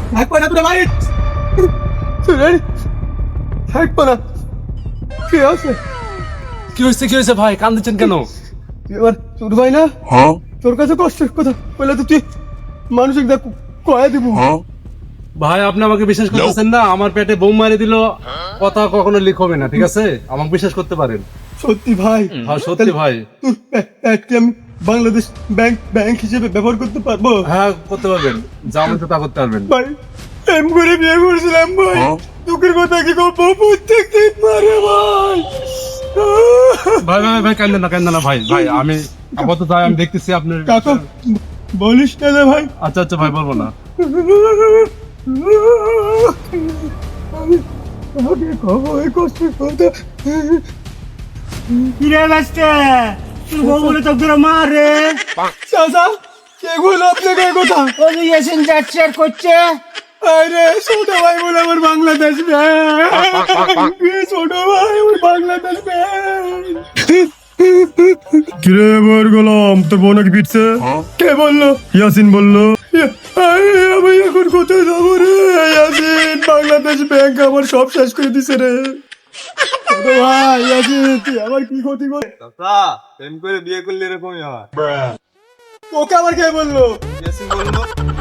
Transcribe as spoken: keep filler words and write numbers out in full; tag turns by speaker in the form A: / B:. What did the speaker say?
A: থাকবো না তোরা ভাই থাকবো না। কি আছে?
B: কি হয়েছে কি হয়েছে ভাই, কান্দিচ্ছেন কেন?
A: তুই আমার ছোট ভাই না? তোর কাছে কষ্টের কথা বলে তো তুই মানসিক দেখ কয়ে দিব।
B: ভাই আপনি আমাকে বিশ্বাস করতেছেন না? আমার পেটে বোম মারি দিল, কথা কখনো লিক হবে না, ঠিক আছে? আমাকে বিশ্বাস করতে পারেন।
A: সত্যি ভাই?
B: হ্যাঁ সত্যি ভাই।
A: তোর প্যাটকে আমি বাংলাদেশ ব্যাংক ব্যাংক হিসেবে ব্যবহার করতে পারবো?
B: হ্যাঁ করতে পারবেন, যা মনে তা করতে পারবেন।
A: ভাই প্রেম করে বিয়ে করছিলাম ভাই, দুঃখের কথা কি করবো, প্রত্যেক দিন মারে ভাই।
B: ভাই ভাই ভাই কান্দেন না কান্দেন না ভাই, ভাই আমি আপাতত যাই, আমি দেখতেছি আপনার।
A: কাকা বলিস না রে ভাই।
B: আচ্ছা আচ্ছা ভাই, বলবো না।
A: আমি আমাকে খবর কষ্টের কথা।
C: কিরে বাস্তে তুই বউ বলে তো তোরা মারে
A: চাচা কে বললো আপনাকে এই কথা?
C: ওই ইয়াসিন যাচ্ছে আর করছে
A: আরে ছোট ভাই বলে আমার বাংলাদেশ ব্যাংক, ছোট ভাই আমার বাংলাদেশ ব্যাংক। কিরে বর গোলাম, তোর বোন নাকি পিটছে? কে বললো? ইয়াসিন বললো। আরে আমি এখন কোথায় যাবো রে? ইয়াসিন বাংলাদেশ ব্যাংক আমার সব শেষ করে দিছে রে। ছোট ভাই ইয়াসিন তুই আমার কি ক্ষতি কর?
D: চাচা প্রেম করে বিয়ে করলে এরকমই হয়।
A: ওকে আবার কে বললো?
D: ইয়াসিন বললো।